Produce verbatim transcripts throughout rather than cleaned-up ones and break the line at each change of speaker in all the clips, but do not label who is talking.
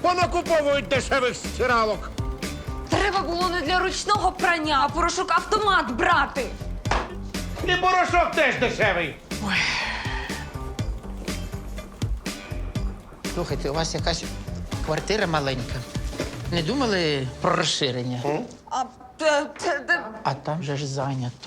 понакуповують дешевих стиралок.
Треба було не для ручного прання, а порошок автомат брати.
І порошок теж дешевий.
Слухайте, у вас якась квартира маленька. Не думали про розширення?
А, те, те, те.
А там же ж зайнято.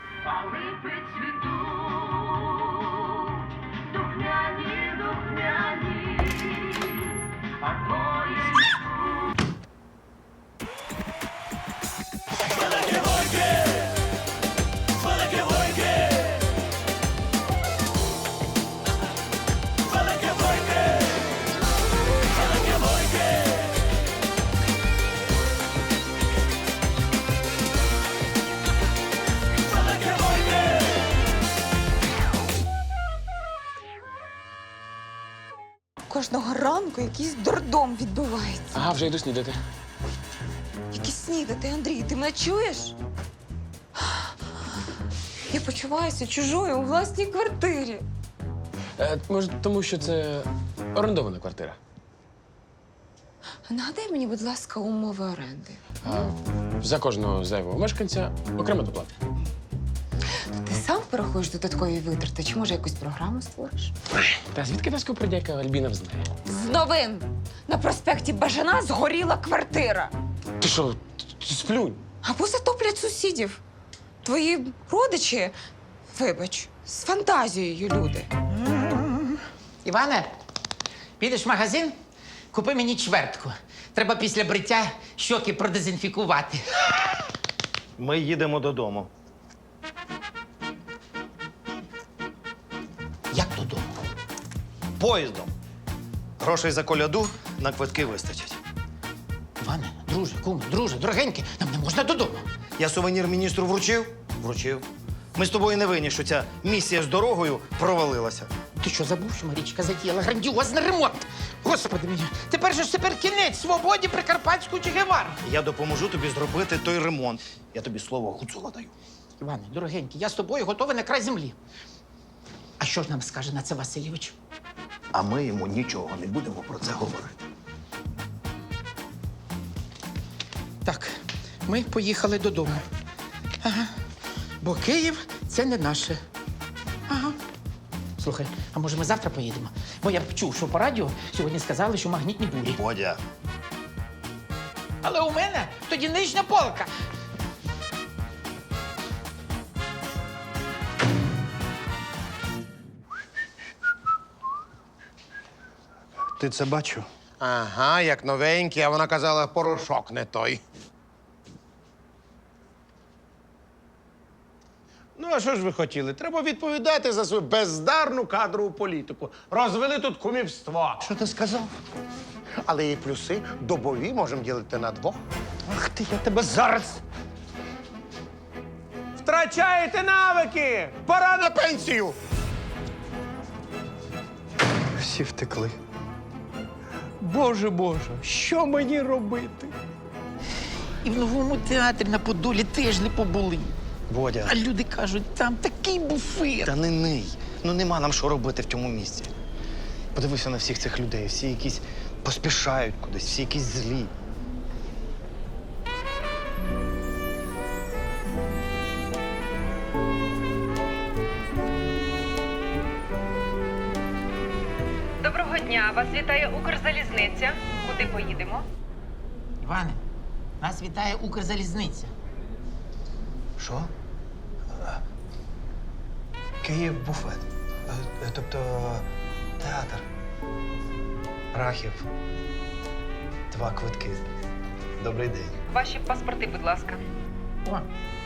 Кожного ранку якийсь дурдом відбувається.
Ага, вже йду снідати.
Які снідати, Андрій, ти мене чуєш? Я почуваюся чужою у власній квартирі.
Е, може, тому що це орендована квартира.
Нагадай мені, будь ласка, умови оренди.
А за кожного зайвого мешканця окрема доплата.
Ти сам порахуєш додаткові витрати, чи може якусь програму створиш?
Та звідки та скупердяйка Альбіна знає?
З новин! На проспекті Бажана згоріла квартира.
Ти що, т- сплюнь?
Або затоплять сусідів. Твої родичі, вибач, з фантазією люди.
Іване, підеш в магазин, купи мені чвертку. Треба після бриття щоки продезінфікувати.
Ми їдемо додому.
Як додому?
Поїздом. Грошей за коляду на квитки вистачить.
Іване, друже, куме, друже, дорогенький, нам не можна додому.
Я сувенір міністру вручив? Вручив. Ми з тобою не винні, що ця місія з дорогою провалилася.
Ти що, забув, що Марічка затіяла грандіозний ремонт? Господи мій, тепер же ж тепер кінець свободі Прикарпатську Че Гевару.
Я допоможу тобі зробити той ремонт. Я тобі слово Гуцула даю.
Іване, дорогенький, я з тобою готовий на край землі. А що ж нам скаже на це Васильович?
А ми йому нічого не будемо про це говорити.
Так, ми поїхали додому. Ага. Бо Київ це не наше. Ага. Слухай, а може ми завтра поїдемо? Бо я б чув, що по радіо сьогодні сказали, що магнітні бурі.
Бодя,
Але у мене тоді нижня полка.
ти це бачив?
Ага, як новенький, а вона казала, порошок не той. Ну, а що ж ви хотіли? Треба відповідати за свою бездарну кадрову політику. Розвели тут кумівство.
Що ти сказав? Але і плюси добові можемо ділити на двох.
Ах ти, я тебе зараз.
Втрачаєте навики! Пора на пенсію!
Всі втекли.
Боже, Боже, що мені робити?
І в новому театрі на Подолі теж не побули.
Бодя,
А люди кажуть, там такий буфет.
та не ний. Ну нема нам що робити в цьому місці. Подивися на всіх цих людей. Всі якісь поспішають кудись, всі якісь злі.
Доброго дня, вас вітає Укрзалізниця. Куди поїдемо?
Іване, нас вітає Укрзалізниця.
Що? Е, Київ буфет. Е, е, Тобто театр. Рахів. Два квитки. Добрий день.
Ваші паспорти, будь ласка.
О,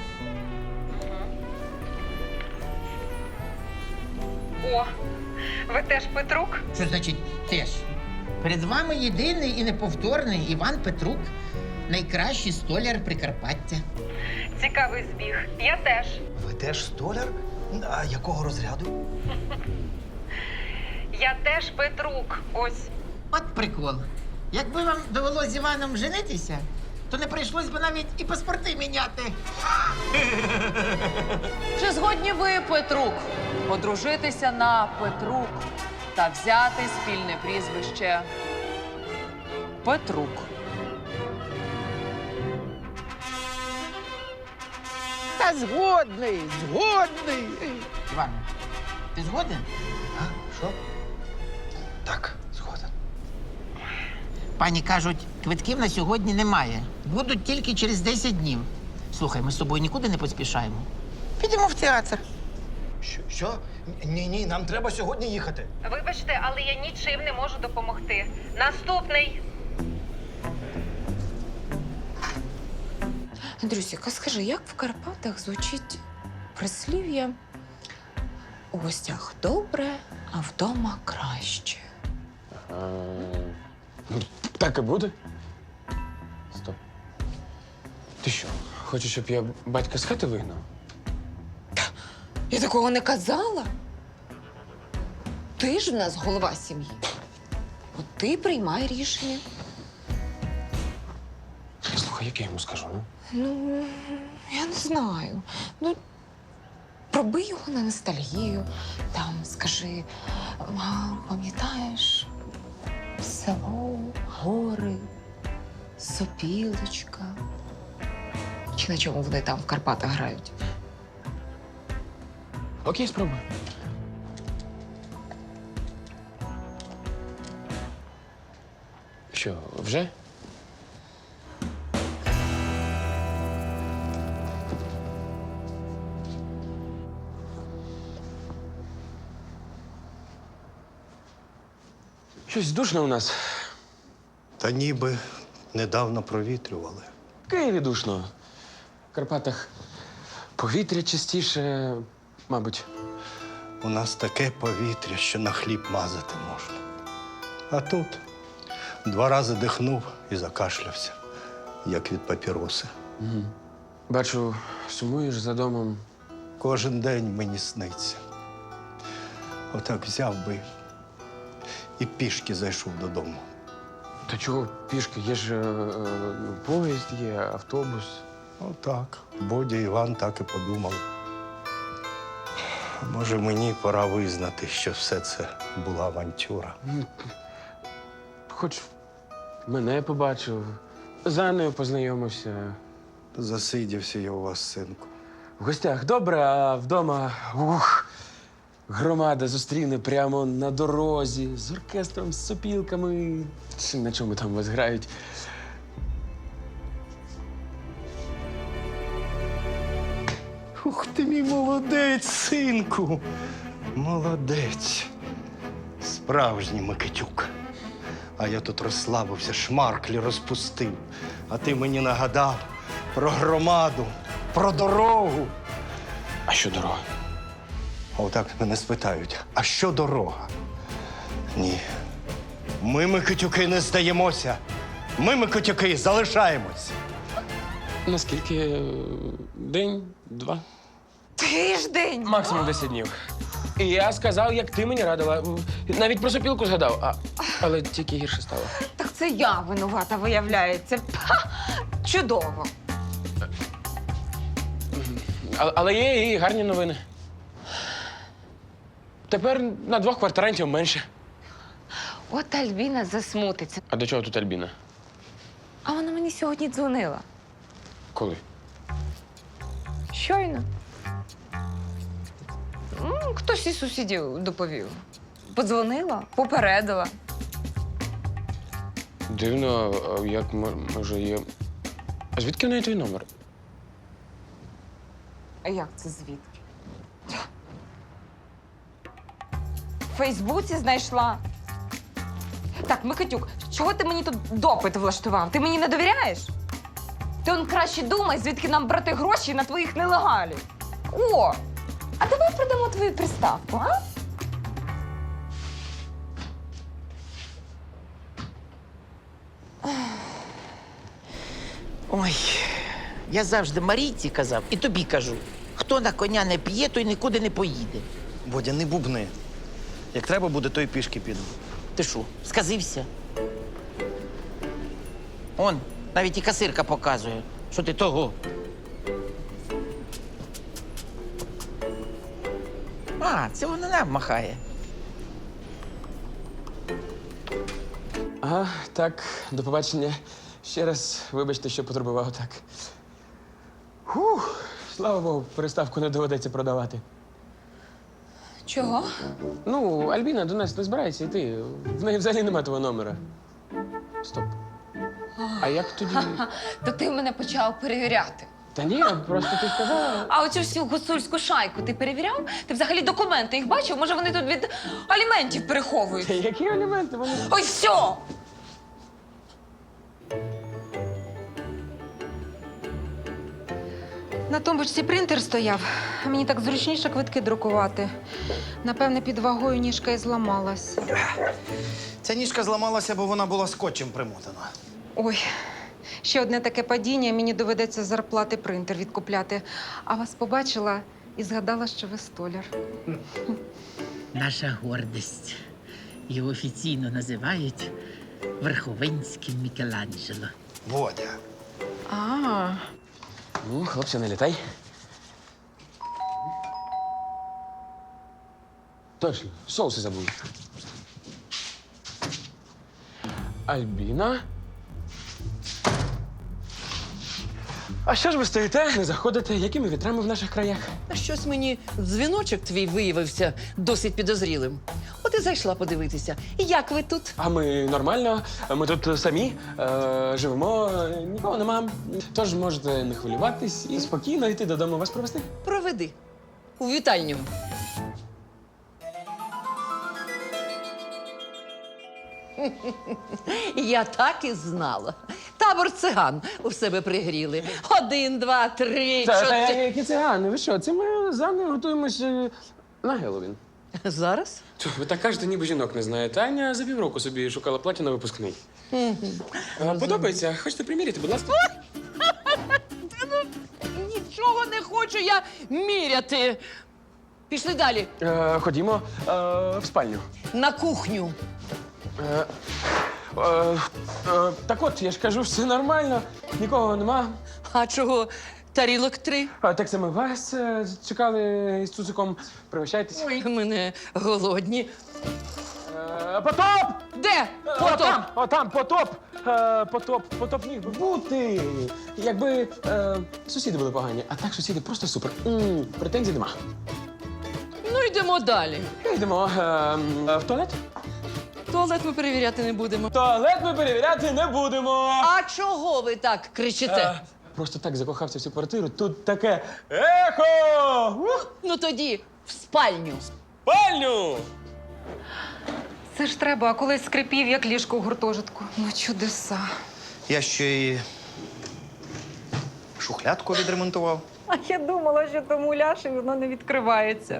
О, ви теж Петрук?
що значить теж? Перед вами єдиний і неповторний Іван Петрук, найкращий столяр Прикарпаття.
Цікавий збіг. Я теж.
Ви теж столяр? А якого розряду?
Я теж Петрук. Ось.
От прикол. Якби вам довелося з Іваном женитися, то не прийшлось би навіть і паспорти міняти.
Чи згодні ви, Петрук, одружитися на Петрук та взяти спільне прізвище Петрук.
Та згодний, згодний. Іван, ти згоден?
А? Що? Так, згоден.
Пані кажуть, квитків на сьогодні немає. Будуть тільки через десять днів. Слухай, ми з тобою нікуди не поспішаємо. Підемо в театр.
Що? Що? Ні, ні, нам треба сьогодні їхати.
Вибачте, але я нічим не можу допомогти. Наступний.
Андрюсіка, скажи, як в Карпатах звучить прислів'я у гостях добре, а вдома краще?
Ну, так і буде. Стоп. Ти що, хочеш, щоб я батька з хати вигнав?
Я такого не казала. Ти ж в нас голова сім'ї. От ти приймай рішення.
Слухай, як я йому скажу, ну?
Ну, я не знаю. Ну, проби його на ностальгію. Там скажи, мам, пам'ятаєш, село, гори, сопілочка. Чи на чому вони там в Карпатах грають?
Окей, спробуй. Що, вже? Щось душно у нас.
Та ніби недавно провітрювали.
В Києві душно. В Карпатах повітря частіше, мабуть.
У нас таке повітря, що на хліб мазати можна. А тут два рази дихнув і закашлявся, як від папіроси.
Бачу, сумуєш за домом.
Кожен день мені сниться. Отак взяв би і пішки зайшов додому.
Та чого пішки? Є ж е, е, поїзд, є автобус.
Отак. Бодя і Іван так і подумали. Може, мені пора визнати, що все це була авантюра.
Хоч мене побачив, з Анною познайомився.
Засидівся я у вас, синку.
В гостях добре, а вдома ух, громада зустріне прямо на дорозі з оркестром, з сопілками. Чи на чому там вас грають?
Ух ти мій молодець, синку. Молодець. Справжній Микитюк. А я тут розслабився, шмарклі розпустив. А ти мені нагадав про громаду, про дорогу.
А що дорога?
А отак мене спитають, а що дорога? Ні. Ми, Микитюки, не здаємося. Ми, Микитюки, залишаємось.
Наскільки? е, День, два?
Тиждень!
Максимум десять днів. І я сказав, як ти мені радила. Навіть про сопілку згадав, а, але тільки гірше стало.
Так це я винувата, виявляється. Ха! Чудово.
А, але є і гарні новини. Тепер на двох квартирантів менше.
От Альбіна засмутиться.
А до чого тут Альбіна?
А вона мені сьогодні дзвонила.
Коли?
Щойно. М, Хтось із сусідів доповів. Подзвонила, попередила.
Дивно, а як мо- може є. А звідки в неї твій номер?
А як це звідки? В Фейсбуці знайшла. Так, Микитюк, чого ти мені тут допит влаштував? Ти мені не довіряєш? Ти он краще думай, звідки нам брати гроші на твоїх нелегалів. О! А давай продамо твою приставку, а?
Ой, я завжди Марійці казав і тобі кажу. Хто на коня не п'є, той нікуди не поїде.
Бодя, не бубни. Як треба буде, то й пішки піду.
Ти що, сказився? Он, навіть і касирка показує, що ти того. А, це вона нам махає.
А Ага, так, до побачення. Ще раз вибачте, що потурбував так. Фух, слава Богу, переставку не доведеться продавати.
Чого?
Ну, Альбіна до нас не збирається йти. В неї взагалі немає твого номера. Стоп. А як тоді?
То ти мене почав перевіряти.
Та ні, просто ти сказала.
А оцю всю гуцульську шайку ти перевіряв? Ти взагалі документи їх бачив? Може, вони тут від аліментів переховують?
Та які елементи? Вони.
Ой, все!
На тумбочці принтер стояв. Мені так зручніше квитки друкувати. Напевне, під вагою ніжка і зламалась.
Ця ніжка зламалася, бо вона була скотчем примотана.
Ой, ще одне таке падіння, мені доведеться з зарплати принтер відкупляти. А вас побачила і згадала, що ви столяр.
Наша гордість. Його офіційно називають Верховинським Мікеланджело.
Водя.
А,
Ну, хлопці, не літай. Точно, соуси забув. Альбіна? А що ж ви стоїте, не заходите? Якими вітрами в наших краях?
Щось мені дзвіночок твій виявився досить підозрілим. От і зайшла подивитися. Як ви тут?
А ми нормально, ми тут самі е, живемо, нікого нема. Тож можете не хвилюватись і спокійно йти додому вас провести.
Проведи. У вітальню. Я так і знала. Табор циган у себе пригріли. Один, два, три,
Та, та
чотири.
які цигани, ви що? Це ми з Анною готуємося на Геловін.
Зараз?
Чу, ви так кажете, ніби жінок не знаєте. Аня за півроку собі шукала плаття на випускний. А, подобається? Хочете приміряти, будь ласка?
Нічого не хочу я міряти. Пішли далі.
Е, ходімо е, в спальню.
На кухню.
Е, е, е, так от, я ж кажу, все нормально, нікого нема.
А чого тарілок три?
А, так це ми вас е, чекали з цуциком. Пригощайтесь.
Ой, мене голодні.
Е, потоп!
Де?
Потоп!
Потоп?
Отам, отам, потоп! Е, потоп, потоп міг би бути. Якби е, сусіди були погані, а так сусіди просто супер. м претензій нема.
Ну, йдемо далі.
Йдемо е, е, в туалет.
Туалет ми перевіряти не будемо.
Туалет ми перевіряти не будемо.
А чого ви так кричите?
Е, просто так закохався в цю квартиру. Тут таке ехо! Ух!
Ну тоді в спальню.
Спальню!
це ж треба, а колись скрипів, як ліжко у гуртожитку. Ну, чудеса.
Я ще й шухлядку відремонтував.
А я думала, що тому ляші воно не відкривається.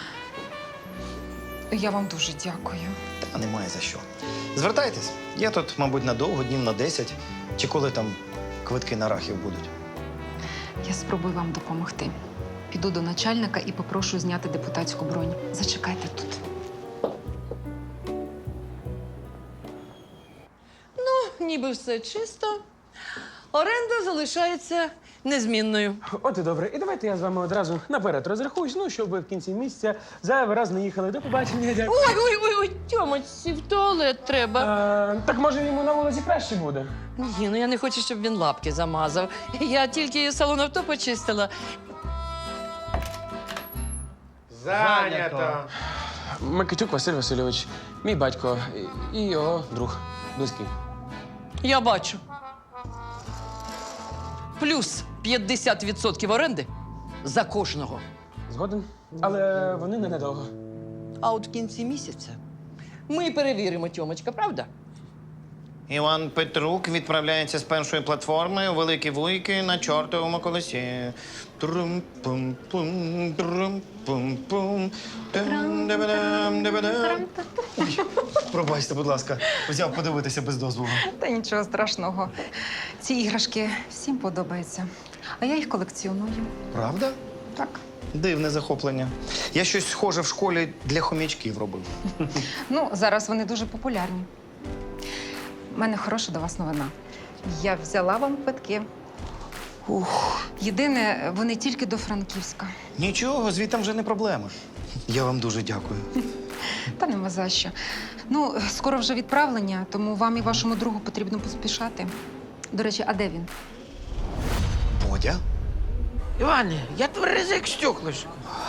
Я вам дуже дякую.
Та немає за що. Звертайтесь. Я тут, мабуть, надовго, днів на десять. Чи коли там квитки на рахів будуть.
Я спробую вам допомогти. Піду до начальника і попрошу зняти депутатську бронь. Зачекайте тут.
Ніби все чисто. Оренда залишається незмінною.
От і добре. І давайте я з вами одразу наперед розрахуюсь, ну, щоб ви в кінці місяця зайвий раз не їхали. До побачення, дякую.
Ой, ой, ой, ой, Тьомочці, в туалет треба.
Е, так може йому на вулиці краще буде?
Ні, ну я не хочу, щоб він лапки замазав. Я тільки салон авто почистила.
Зайнято.
Микитюк Василь Васильович, мій батько і- і його друг близький.
Я бачу. Плюс п'ятдесят відсотків оренди за кожного.
Згоден? Але вони ненадовго.
А от в кінці місяця ми перевіримо, Тьомочка, правда?
Іван Петрук відправляється з першої платформи у Великі Вуйки на чортовому колесі. Трум-пум-пум, трум-пум-пум, там-да-ба-дам-да-ба-дам. Ой, пробачте, будь ласка, взяв подивитися без дозволу.
Та нічого страшного. Ці іграшки всім подобаються. А я їх колекціоную.
Правда?
Так.
Дивне захоплення. Я щось схоже в школі для хомячків робив.
Ну, зараз вони дуже популярні. У мене хороша до вас новина. Я взяла вам квитки. Ух. Єдине, вони тільки до Франківська.
Нічого, звідти вже не проблема. Я вам дуже дякую.
Та нема за що. Ну, скоро вже відправлення, тому вам і вашому другу потрібно поспішати. До речі, а де він?
Бодя?
Іване, я тверезий як стеклишко.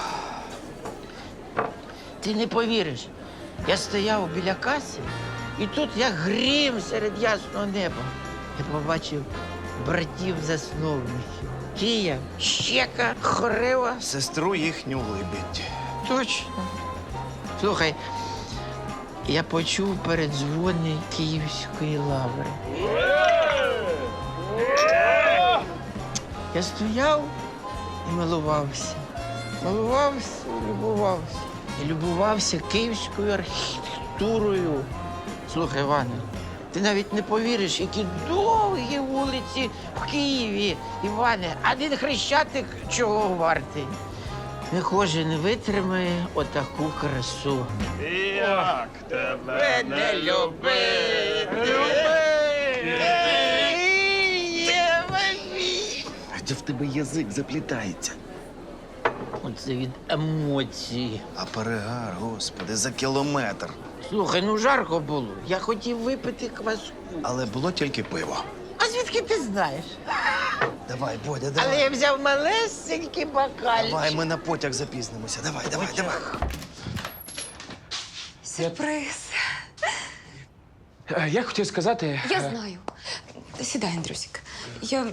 Ти не повіриш. Я стояв біля каси, і тут як грім серед ясного неба. Я побачив братів-засновників. Кія, Щека, Хорева.
Сестру їхню Либідь.
Точно. Слухай, я почув передзвони Київської лаври. Я стояв і милувався. Милувався і любувався. І любувався київською архітектурою. Слухай, Іване, ти навіть не повіриш, які довгі вулиці в Києві. Іване, один хрещатик чого вартий. Не кожен витримає отаку красу.
Як тебе
Не любити!
Де в тебе язик заплітається?
Оце від емоцій.
А перегар, господи, за кілометр.
Слухай, ну жарко було. Я хотів випити кваску.
Але було тільки пиво.
А звідки ти знаєш?
Давай, Бодя,
Але
давай.
я взяв малесенький бокальчик.
Давай, ми на потяг запізнимося. Давай, давай, давай.
Сюрприз.
Е, Я хотів сказати.
Я
е,
знаю. Сідай, Андрюсик. Я.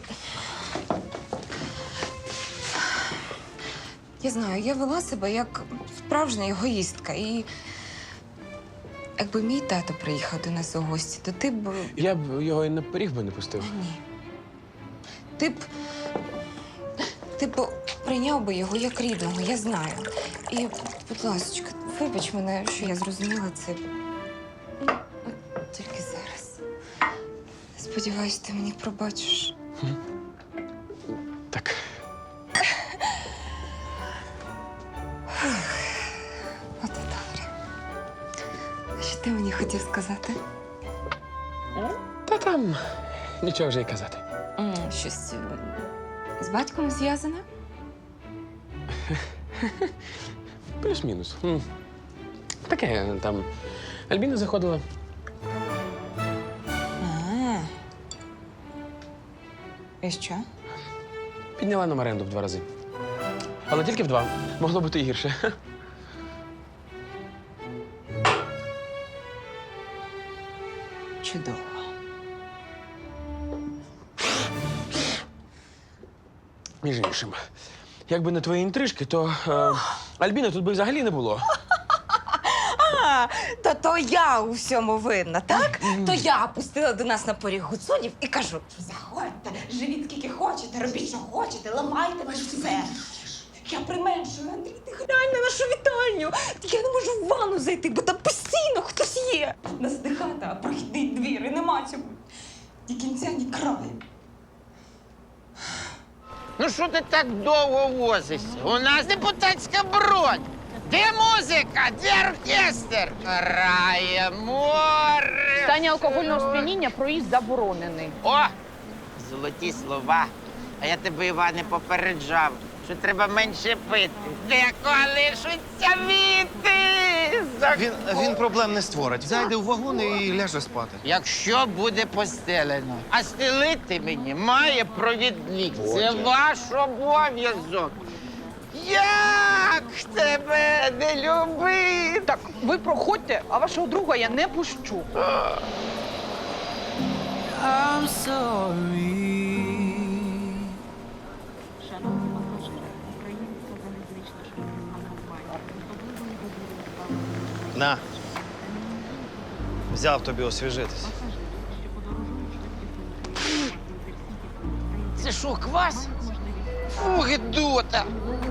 Я знаю, я вела себе як справжня егоїстка. І якби мій тато приїхав до нас у гості, то ти б.
Я б його і на поріг би не пустив.
Ні. Ти б. Ти б прийняв би його як рідного, я знаю. І, будь ласка, вибач мене, що я зрозуміла це. Ну, от тільки зараз. Сподіваюсь, ти мені пробачиш.
Так.
От і добре. А що ти мені хотів сказати?
Та там нічого вже й казати.
М, Щось е, з батьком зв'язане?
Плюс-мінус. М. Таке там. Альбіна заходила.
А. І що?
Підняла нам оренду в два рази. Але тільки в два. Могло бути і гірше.
Чудово.
Між іншим. Якби не твої інтрижки, то е, Альбіни тут би взагалі не було.
А, то то я у всьому винна, так? То я пустила до нас на поріг гуцулів і кажу: заходьте, живіть скільки хочете, робіть, що хочете, ламайте все. Я применшую, Андрій, ти глянь на нашу вітальню. Я не можу в ванну зайти, бо там постійно хтось є. Нас не хата, а прохідний двір, і нема цьому ні кінця, ні краю.
Ну що ти так довго возишся? У нас депутатська бронь. Де музика? Де оркестр? Грає море.
В стані алкогольного сп'яніння проїзд заборонений.
О, золоті слова. А я тебе, Іване, попереджав, що треба менше пити. Де колишуться віти?
Він, він проблем не створить. Зайде в вагон і ляже спати.
Якщо буде постелено, а стелити мені має провідник. Це ваш обов'язок. Як тебе не любити?
Так, ви проходьте, а вашого друга я не пущу.
На. Взяв тобі освіжитись.
Це що, квас? Фу, гидота!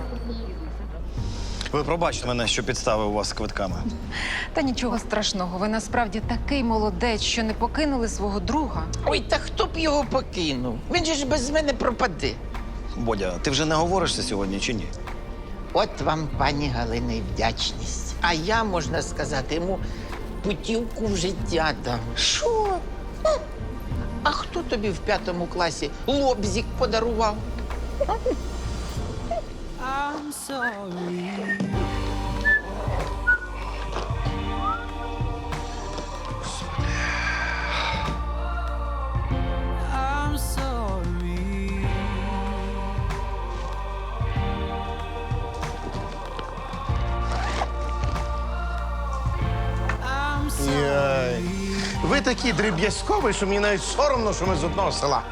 Ви пробачте мене, що підставив вас з квитками.
Та нічого страшного. Ви насправді такий молодець, що не покинули свого друга.
Ой, та хто б його покинув? Він же ж без мене пропаде.
Бодя, ти вже не говоришся сьогодні чи ні?
От вам, пані Галина, і вдячність. А я, можна сказати, йому путівку в життя дам. Що? М? А хто тобі в п'ятому класі лобзик подарував?
такий дріб'язковий, що мені навіть соромно, що ми з одного села.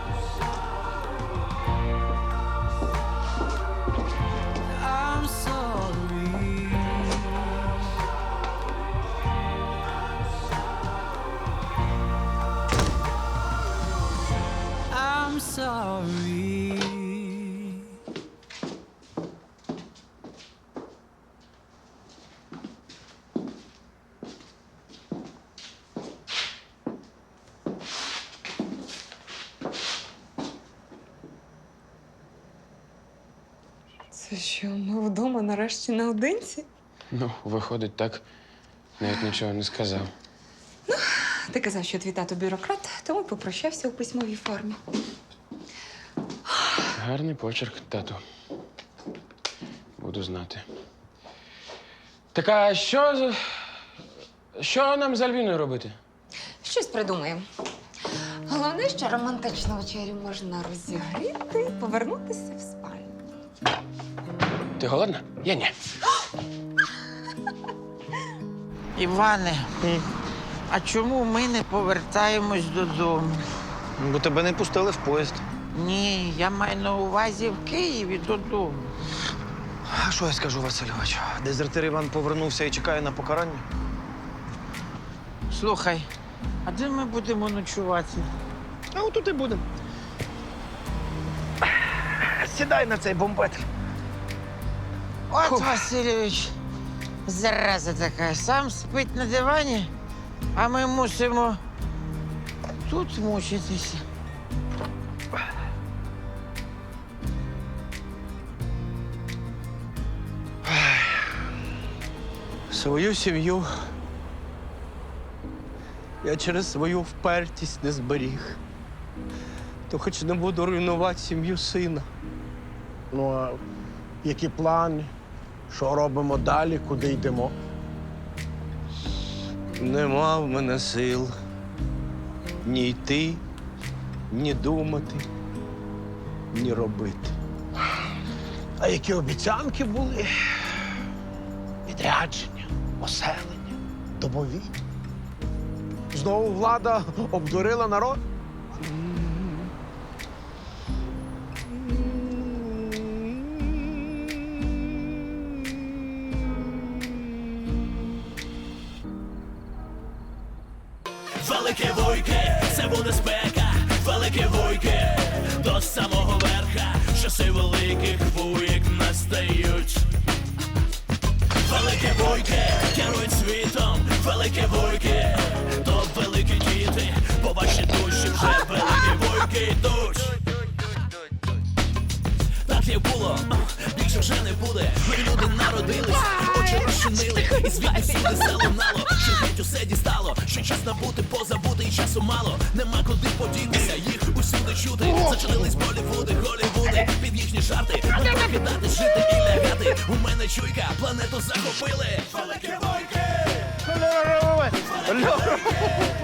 Це що, ми вдома нарешті наодинці?
Ну, виходить так, навіть нічого не сказав.
Ти казав, що твій тато бюрократ, тому попрощався у письмовій формі.
Гарний почерк, тату. Буду знати. Так а що, з- що нам з Альвіною робити?
Щось придумаємо. Головне, що романтичну вечерю можна розігріти і повернутися в спальню.
Ти голодна? Я ні.
Іване, а чому ми не повертаємось додому?
Бо тебе не пустили в поїзд.
Ні, я маю на увазі в Києві додому.
А що я скажу, Васильович? Дезертир Іван повернувся і чекає на покарання.
Слухай, а де ми будемо ночувати?
А отут і будемо. Сідай на цей бомбетр.
От Васильович, зараза така, сам спить на дивані, а ми мусимо тут мучитися.
Свою сім'ю я через свою впертість не зберіг. То хоч не буду руйнувати сім'ю сина.
Ну, а які плани? Що робимо далі, куди йдемо?
Нема в мене сил ні йти, ні думати, ні робити.
А які обіцянки були? Відрядження, оселення, домові. Знову влада обдурила народ?
Велике вуйки, це буде спека, велике вуйки, до самого верха, часи великих вуйк настають. Велике вуйки, керують світом, велике вуйки, то великі діти, по вашій душі вже великі вуйки йдуть. Так як було, більше вже не буде. Нові люди народились, очі розчинили, і звідти всюди залунало, що геть усе дістало, що час набути, позабути, і часу мало. Нема куди подітися, їх усюди чути. Зачинились Болівуди, Голівуди, під їхні жарти. Будуть покидати, жити і лягати. У мене чуйка, планету захопили. Великі войки!